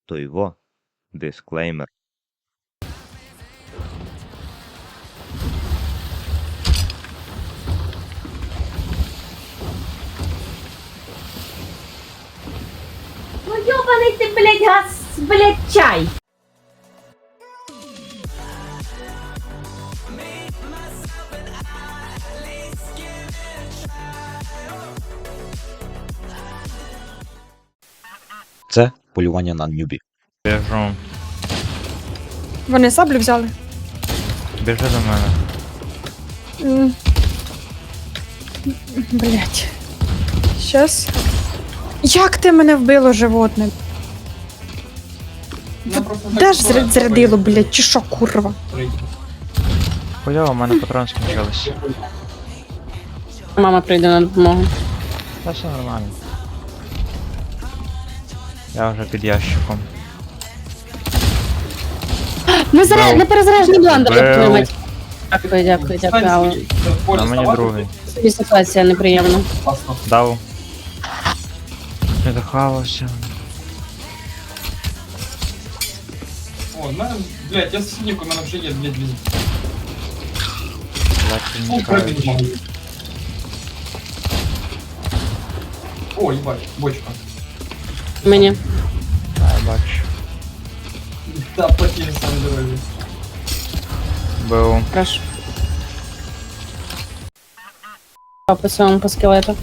То його дисклеймер. Ну ёбаный ты, блядь, газ, блядь, чай. Це полювання на нюбі. Біжу. Вони саблю взяли. Біжи до мене. Блять. Щас. Як ти мене вбило, животне? Де ж зрядило, блять, чи що, курва? Хуйово, у мене патрон скінчились. Мама прийде на допомогу. Та все нормально. Я вже під ящиком. Не перезаряжені бландер, Бел. як твою мать. Дякую, але На мені другий. собі ситуація неприємна. Дав. Не дохавався. О, в мене, блядь, я синік, у мене вже є, блядь, візит. Легкі О, не пробіг кажуть. можу. О, їбать, бочка. Мені. Я бачу. Та, плохие саме дорогі. Бив. Прошу. По своєму по скелету.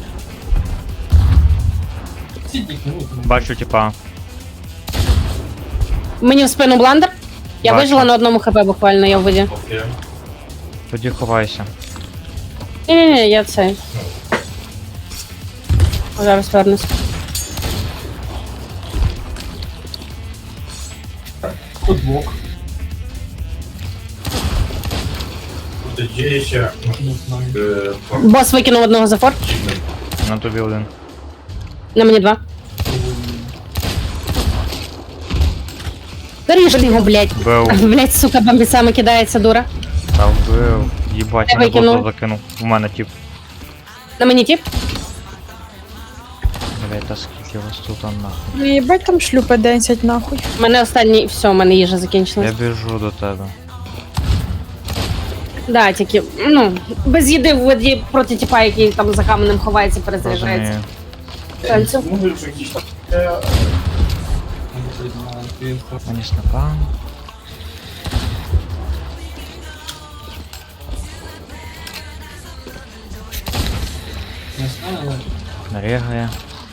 Сітник, ну, Бачу, типа. Мені в спину бландер. Я Бачу. вижила на одному хп буквально, я в воді. Тоді ховайся. Ні, я цей. Зараз вернусь. тут блок. Є ще Не знаю. Бос викинув одного за форт. На тобі один. На мені два. Доріжте його, блядь. Бив. Блядь, сука, бомбісами кидається, дура. Та вбив. Їбать, Я мене викинув. просто закинув. У мене тип. На мені тип. Блять, та скільки вас тут нахуй. Ну, їбать там шлюпи 10 нахуй. У мене останній, все, у мене їжа Я закінчилась. біжу до тебе. Да, тільки, ну, без їди в воді проти типа, який там за каменем ховається, перезаряджається. Розумію. Танцю. може вже якісь там Мені снапа. Не знаю, Нарігає.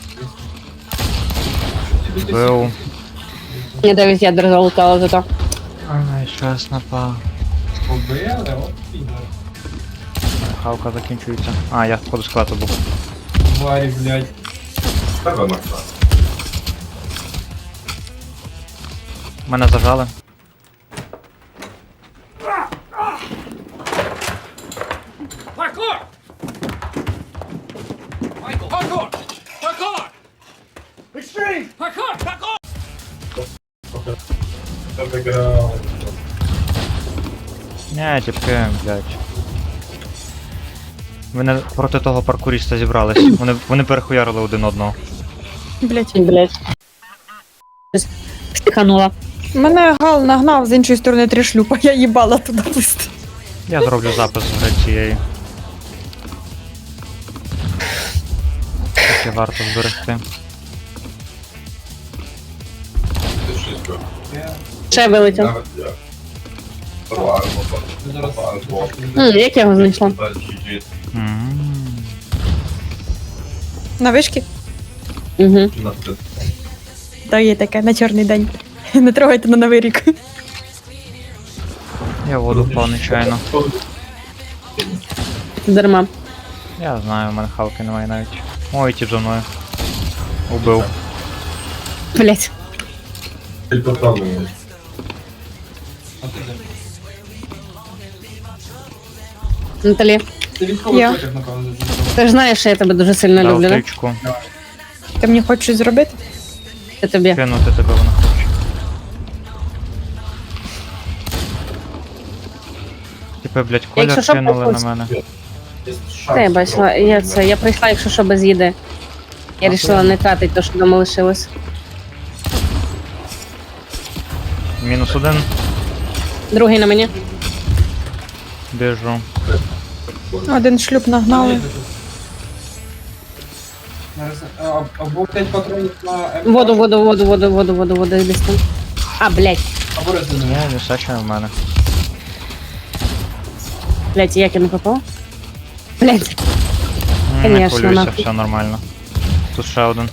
Бив. Мені 9 ядер залутало зато. Ай, ще снапа. побили, от підер. Хавка закінчується. А, я входу складу був. Тварі, блядь. тебе Макса. Мене зажали. Тебе грав. Не, тіпки, блядь. Ви не проти того паркуріста зібрались. Вони перехуярили один одного. Блять. Блять. Стиханула. Мене Гал нагнав з іншої сторони 3 шлюпа, я їбала туди пусти. Я зроблю запис з гри цієї. Таке варто зберегти. Ти щось би. Ще вилетів. Навіть я. Товар, Зараз Як я його знайшла? М. На вишки? Угу. Так, є таке, на чорний день. Не трогайте на новий рік. Я в воду впав нечайно. Дарма. Я знаю, у мене хавки немає навіть. Ой, тіп за мною. Убив. Блять. Ти попробуй. А ти де? Наталі, Ти військовий Я. потяг, напевно, зажив. ти ж знаєш, що я тебе дуже сильно Дав люблю, да? тичку. Ти мені хочеш щось зробити? Я тобі. Кинути тебе вона хоче. Типи, блядь, Якщо колір що, кинули на походь. мене. Та я бачила, я прийшла, якщо що, без їди. Я вирішила не тратити те, що вдома лишилось. Мінус один. Другий на мені. Біжу. Один шлюб нагнали. Або 5 патронів на М2. Воду, десь там. А, блядь. Або резину. Ні, височе в мене. Блядь, як я не попав? Блядь. Не Конечно, хвилюйся, нахуй. все нормально. Тут ще один.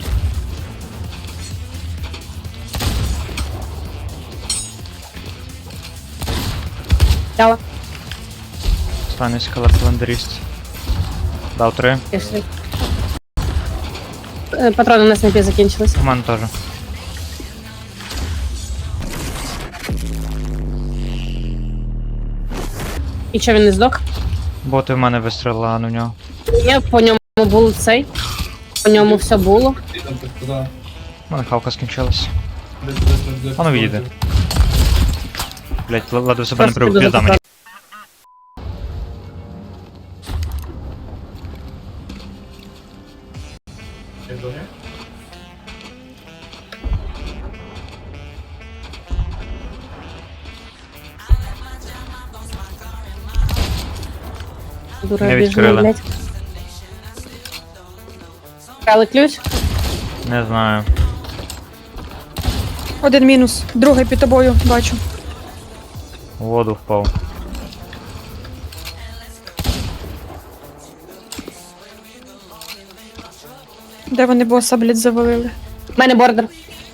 Дала. Останній скелет календаріст. Дав 3. Пішли. Патрони на снайпі закінчились. У мене теж. І що, він не здох? Боти в мене вистрілили, а не в нього. Ні, по ньому був цей. По ньому все було. Ти там так туди. У мене хавка скінчилась. Десь. А ну відійди. Блять, ладу себе не Просто прив, піду пізда за мені. Дура Не біжна, відкрили. блядь. Крали ключ? Не знаю. Один мінус. Другий під тобою, бачу. У воду впав. Де вони боса, блядь, завалили? У мене бордер.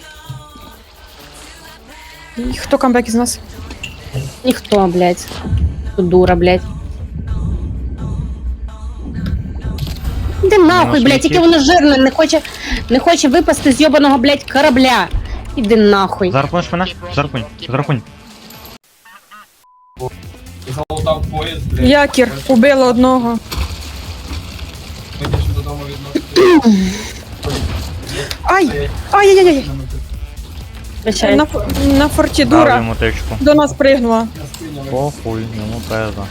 І хто камбек із нас? Ніхто, блядь. Тут дура, блядь. Іди нахуй, Мінус блядь, яке летить. воно жирне, не хоче випасти з йобаного, блядь, корабля. Іди нахуй. Зарпунеш мене? Зарпунь. Зарпунь. Залутав поїзд, блядь. Якір, убила одного. Вийдеш додому відносити. Ай! Ай-яй-яй! Прощай. На форті Дав дура. йому тичку. До нас пригнула. Похуй, йому пизда.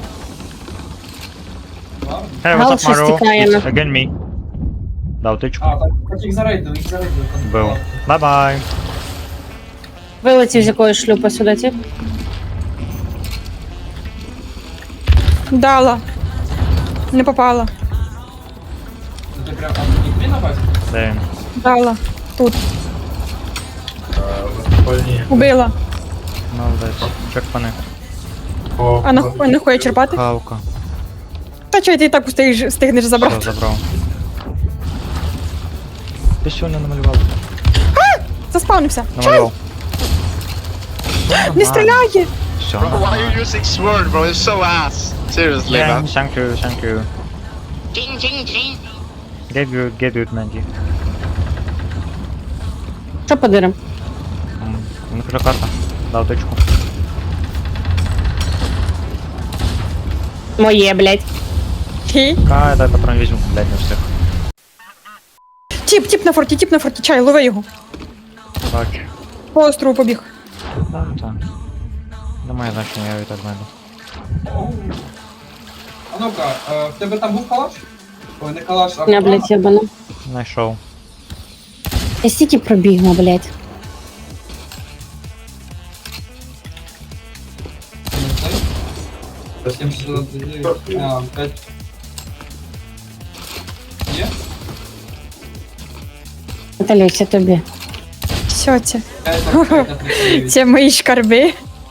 Hey, Гал what's up, щось Mario? тікає, It's ну. again me. Дав тичку. А, так їх зарейдили, Бив. Бай-бай. Вилетів з якоїсь шлюпа сюди, ті. Дала. Не попала. Ти прям, а тобі на базі? Де він? Дала. Тут. Убила. Молодець. Черпани. А не хоче черпати? Хавка. Та чого ти і так встигнеш Все, забрати? забрав. Ти що не намалював? Заспавнився. Намалював. Не стріляє! Все. Why are you using sword, bro? It's so ass. Seriously, Yeah, man. thank you, thank you. Get good, Mandy. Що подирим? Ну, вже карта. Дав тичку. Моє, блядь. Хі. Кай, дай патрон візьму, блядь, не встиг. Тіп на форті, чай, лови його. Бачу. По острову побіг. Так, так. Немає значення, я і так знайду. А ну-ка, в тебе там був калаш? Ой, не калаш, а Я, блядь, ябана. Знайшов. Я стільки пробігла, блядь. Совсем что-то... А, 5. Є? Наталя, це тобі. Все це. 5, Це мої шкарби.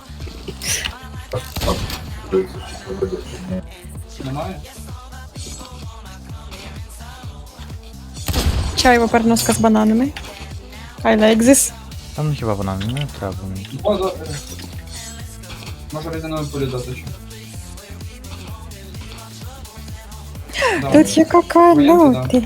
Немає? Чайова переноска з бананами. I like this. Та ну хіба вона не треба мені. О, може резинову пулю дати ще. Да. Тут є коконоти.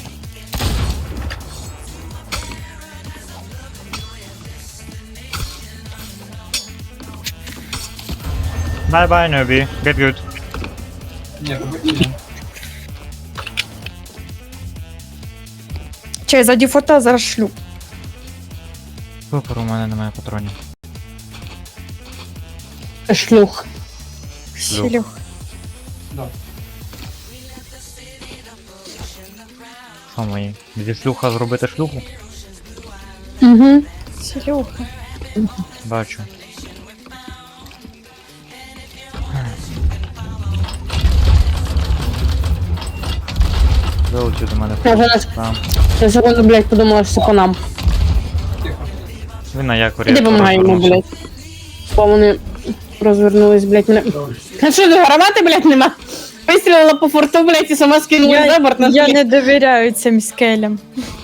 Bye-bye, newbie. Get good. Ні, побачимо. Чай, за дефота зараз шлюб. Супер, у мене немає патронів. Шлюх. Шлюх. Да. Що мої? Зі шлюха зробити шлюху? Угу. Шлюха. Бачу. Вилетів до мене. Може, нас- Там. Я секунду, блядь, подумала, що це по нам. Тихо. Він на якорі. Іди помагай йому, розвернувся. блядь. Бо вони розвернулись, блядь, мене. А що, гранати, блядь, нема? Вистрілила по форту, блядь, і сама скинула за борт на Я скель. не довіряю цим скелям.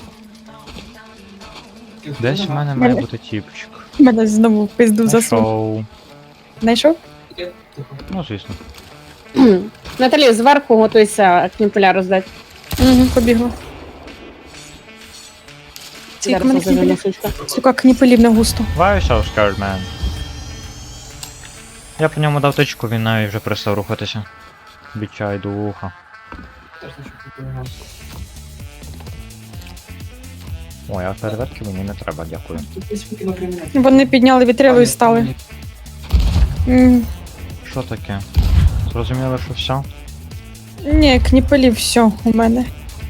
Тихо. Десь в мене має бути тіпчик. Мене знову в пизду засунув. Знайшов. Знайшов? Тихо. Ну, звісно. Наталі, зверху готуйся кніпеля роздати. Угу, побігла. Скільки Зараз мене розожену, кніпелів? сучка. Сука, кніпелів не густо. Why you so scared, man? Я по ньому дав тичку, він навіть вже перестав рухатися. Бічай до вуха. Теж не чую, допомагав. Ой, а фейерверки мені не треба, дякую. Тут десь викинуло кримінал. Вони підняли вітрило і стали. М, Що таке? Зрозуміли, що все? Ні, кніпелів все у мене.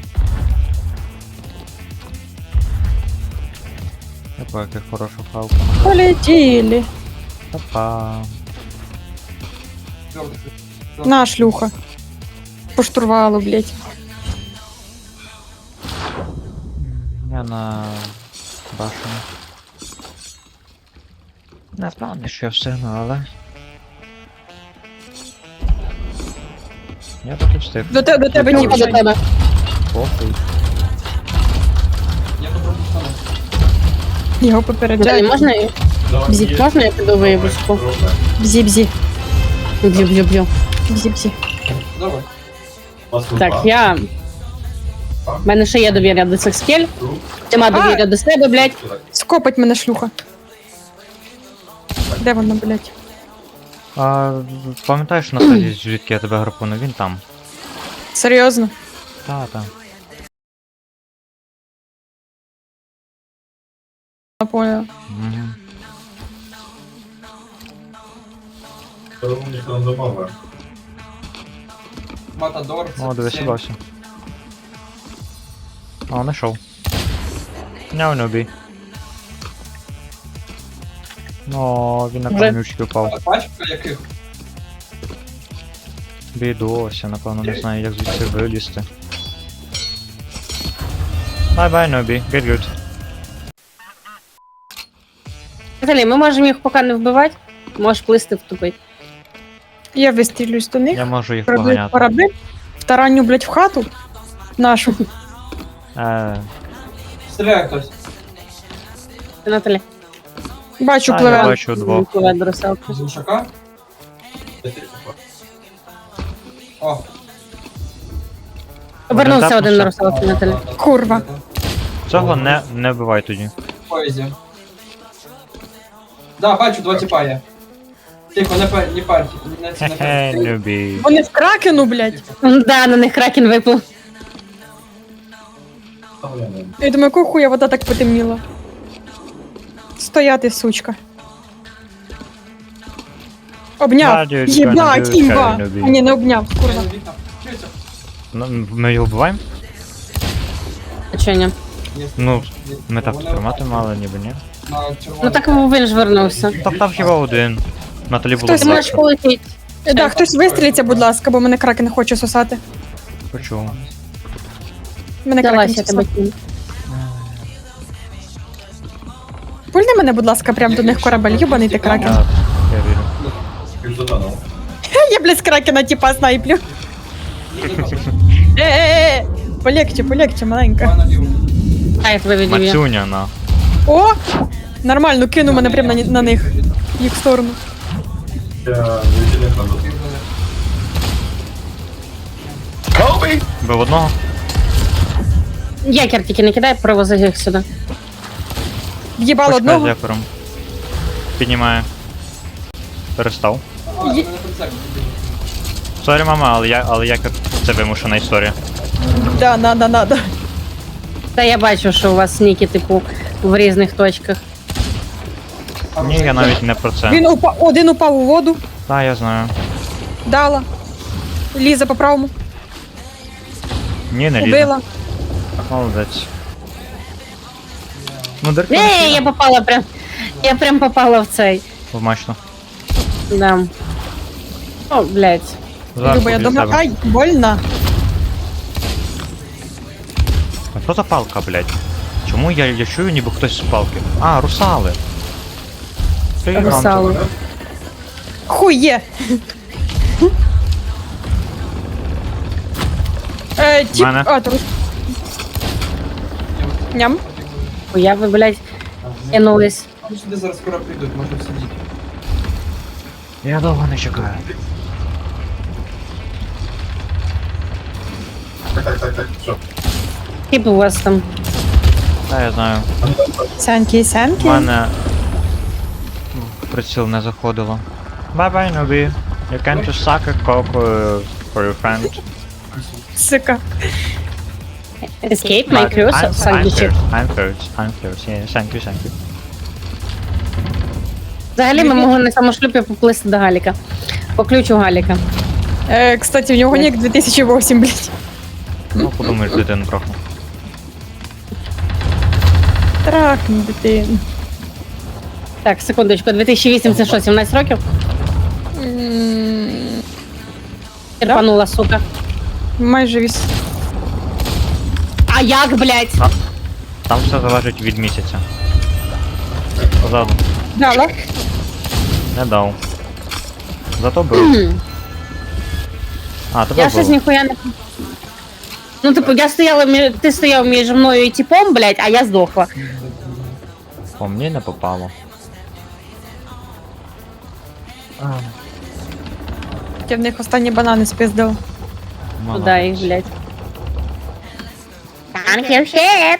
Яка яка хороша хавка. Полетіли. Па-па. Твердо. На, шлюха. По штурвалу, блядь. Я на башені. Не впевнений, що я встигну, але... Я таки встиг. До тебе Ну, тіп. до тебе. Похуй. Я попробую встану. Його Наталі, попереджають. можна я? Бзі. Можна я піду виїбушку? Бзі-бзі. Б'ю. Бзі-бзі. Давай. Так, я... В мене ще є довір'я до цих скель. Нема довір'я до себе, блядь. Скопать мене шлюха. Де вона, блядь? А, пам'ятаєш, Наталі, звідки я тебе гарпунув? Він там. Серйозно? Та. Я поняла. Угу. Ніхто не домовив. Матадор. О, дивись, 7. бався. О, знайшов. Няу нюбі. О, він на Вже. камнючки впав. А пачка яких? Бідося, напевно, не знаю, як звідси вилізти. Bye-bye, нюбі. Get good. Наталі, ми можемо їх поки не вбивати. Можеш плисти втупити. Я вистрілюсь до них. Я можу їх Роблю поганяти. корабель. Втараню, блядь, в хату. Нашу. Стріляє хтось. Наталі. Бачу, Я пливе. бачу двох. Пливе до русалки. З глушака. О. Повернувся Один один на тапнувся. русалки, Наталі. Курва. Цього не вбивай тоді. Поїзді. Да, бачу, два тіпа є. Тихо, не парьте. Хе-хе, нюбі. Вони в кракену, блядь. Да, на них кракен випав. Я думаю, якого хуя вода так потемніла. Стояти, сучка. Обняв. Радіо, Єбать, Джонні, імба. Джонні, Ні, не обняв, курва. Ну, ми його вбиваємо? А чого ні? Ну, ми так тримати мали, ніби ні. Ну так він ж вернувся. Так там хіба один. Наталі було Хтось Ти можеш близько. полетіти. Да, хтось вистрілиться, будь ласка, бо мене кракен хоче сосати. Почув. Мене Давай, кракен я тебе сосати. кину. Пульни мене, будь ласка, прям до них корабель, юбаний ти кракен. Я вірю. Півзатонув. Я, блядь, з кракена типа снайплю. Полегче, маленька. Кайф виведів я. Мацюня на. О! Нормально, кину мене прям на них. Їх сторону. Я не надо. Бив одного? Якір тільки не кидай, привози їх сюди. В'їбало Почекай з одного. якором. Піднімає. Перестав. Сорі, мама, але якор це вимушена історія. Да, надо. Та я бачу, що у вас ніки, типу, в різних точках. Ні, я навіть не про це. Один упав у воду, Та, я знаю. дала. Ліза по правому. Ні, не лізе. Убила. Молодець. Ну, дирка Ей, я попала прям. Я прям попала в цей. вмачно. Да. О, блядь. Люба, я біля думаю, тебе. ай, больно. А що за палка, блядь? Чому я чую, ніби хтось з палки? А, русали. Ти Русали. Хуй є! Тіп, Мене. а, тут. Ням. Я ви, блядь, кинулись. Вони сюди зараз скоро прийдуть, можна сидіти. Я довго не чекаю. Так, що? Тип у вас там. Та я знаю. Сенькі, У сенькі. мене в приціл не заходило. Bye-bye, newbie. You can just suck a cock for your friend. Сика. Escape my crew, I'm сандвічі. I'm first. Yeah, thank you. Взагалі ми могли на самошлюпі поплисти до Галіка. По ключу Галіка. Кстати, в нього нік 2008, блядь. Ну, подумаєш, дитину трохи. Трахни дитину. Так, секундочку, 2008 це що, 17 років? Терпанула, сука. Майже віс. А як, блядь? Там все залежить від місяця. Позаду. Дала. Не дав. Зато бив. А, тебе Я щось бив. ніхуя не... Ну, типу, я стояла, ти стояв між мною і типом, блядь, а я здохла. По мені не попало. Я в них останні банани спиздила. Туда їх, блядь. Thank you, shit.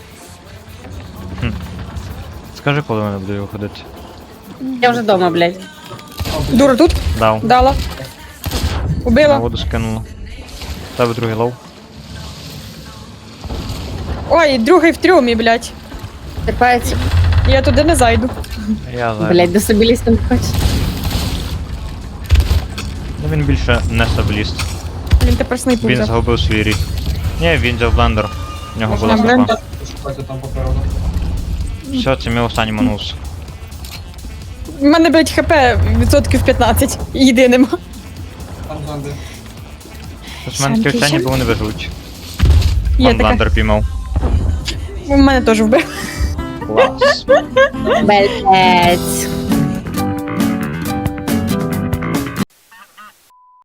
Скажи, коли мене буду виходити. Я вже дома, блядь. Дура тут? Дав. Дала. На Убила. воду скинула. Тебе другий лов. Ой, другий в трюмі, блядь. Терпається. Я туди не зайду. Я зайду. Блядь, до собі лізти не хочеш. Ну він більше не сабліст. Він тепер снайпу Він взяв. згубив свій рід. Ні, він взяв блендер. В нього була Можна снайпа. блендер? Пошукайте там попереду. Все, це мій останній манус. У мене, блядь, хп відсотків 15. Їди нема. Там зонди. Ось в мене таке вчення, бо вони виживуть. Є Пан таке. блендер піймав. У мене теж вбив. Клас. Блядь.